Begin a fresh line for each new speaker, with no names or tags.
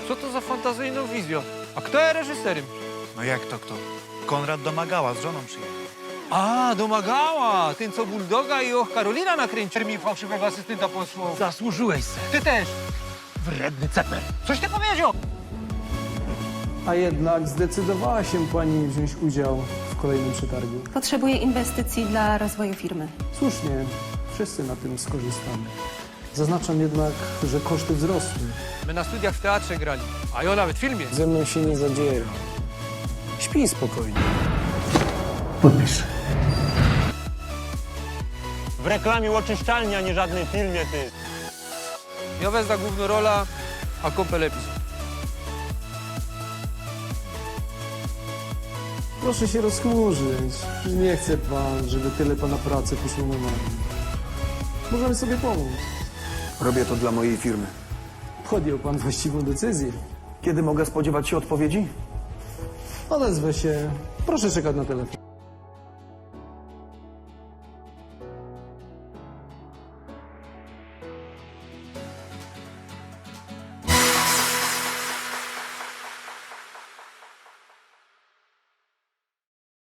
Co to za fantazyjną wizją? A kto jest reżyserem?
No jak to kto? Konrad Domagała z żoną przyjechał.
A, Domagała! Ten, co Bulldoga i Och Karolina nakręcił. Mi fałszywego asystenta posłał.
Zasłużyłeś se.
Ty też!
Wredny ceper.
Coś ty powiedział?
A jednak zdecydowała się pani wziąć udział w kolejnym przetargu.
Potrzebuję inwestycji dla rozwoju firmy.
Słusznie, wszyscy na tym skorzystamy. Zaznaczam jednak, że koszty wzrosły.
My na studiach w teatrze grali, a ja nawet w filmie.
Ze mną się nie zadziera. Śpij spokojnie. Podpisz.
W reklamie oczyszczalni, a nie żadnym filmie, ty.
Ja wezmę główną rola, a kąpel epizod.
Proszę się rozchmurzyć. Nie chce pan, żeby tyle pana pracy poszło na marne. Możemy sobie pomóc.
Robię to dla mojej firmy.
Podjął pan właściwą decyzję.
Kiedy mogę spodziewać się odpowiedzi?
Odezwę się. Proszę czekać na telefon.